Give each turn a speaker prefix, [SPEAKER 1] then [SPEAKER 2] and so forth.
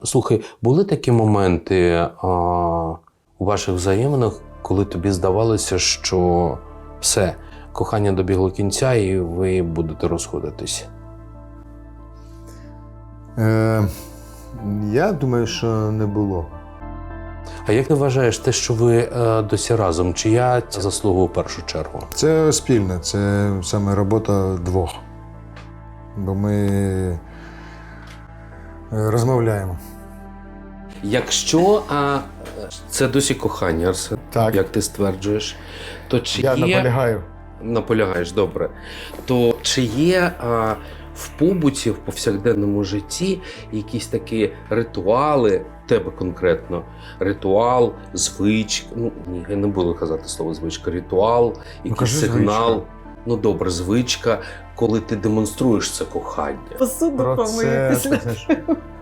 [SPEAKER 1] Слухай, були такі моменти у ваших взаєминах, коли тобі здавалося, що все, кохання добігло кінця і ви будете розходитись?
[SPEAKER 2] Я думаю, що не було.
[SPEAKER 1] А як ти вважаєш те, що ви досі разом, чия це заслуга у першу чергу?
[SPEAKER 2] Це спільне, це саме робота двох. Бо ми розмовляємо.
[SPEAKER 1] Якщо це досі кохання, Арсен,
[SPEAKER 2] Так.
[SPEAKER 1] як ти стверджуєш, то чи
[SPEAKER 2] Я
[SPEAKER 1] є...
[SPEAKER 2] наполягаю.
[SPEAKER 1] Наполягаєш, добре. То чи є в побуті, в повсякденному житті якісь такі ритуали, тебе конкретно, ритуал, звичка, ну ні, я не буду казати слово звичка, ритуал, якийсь
[SPEAKER 2] кажи
[SPEAKER 1] сигнал,
[SPEAKER 2] звичка.
[SPEAKER 1] ну добре, звичка, коли ти демонструєш це кохання.
[SPEAKER 3] Посуду
[SPEAKER 2] Про це,
[SPEAKER 3] помитися.
[SPEAKER 2] знаєш,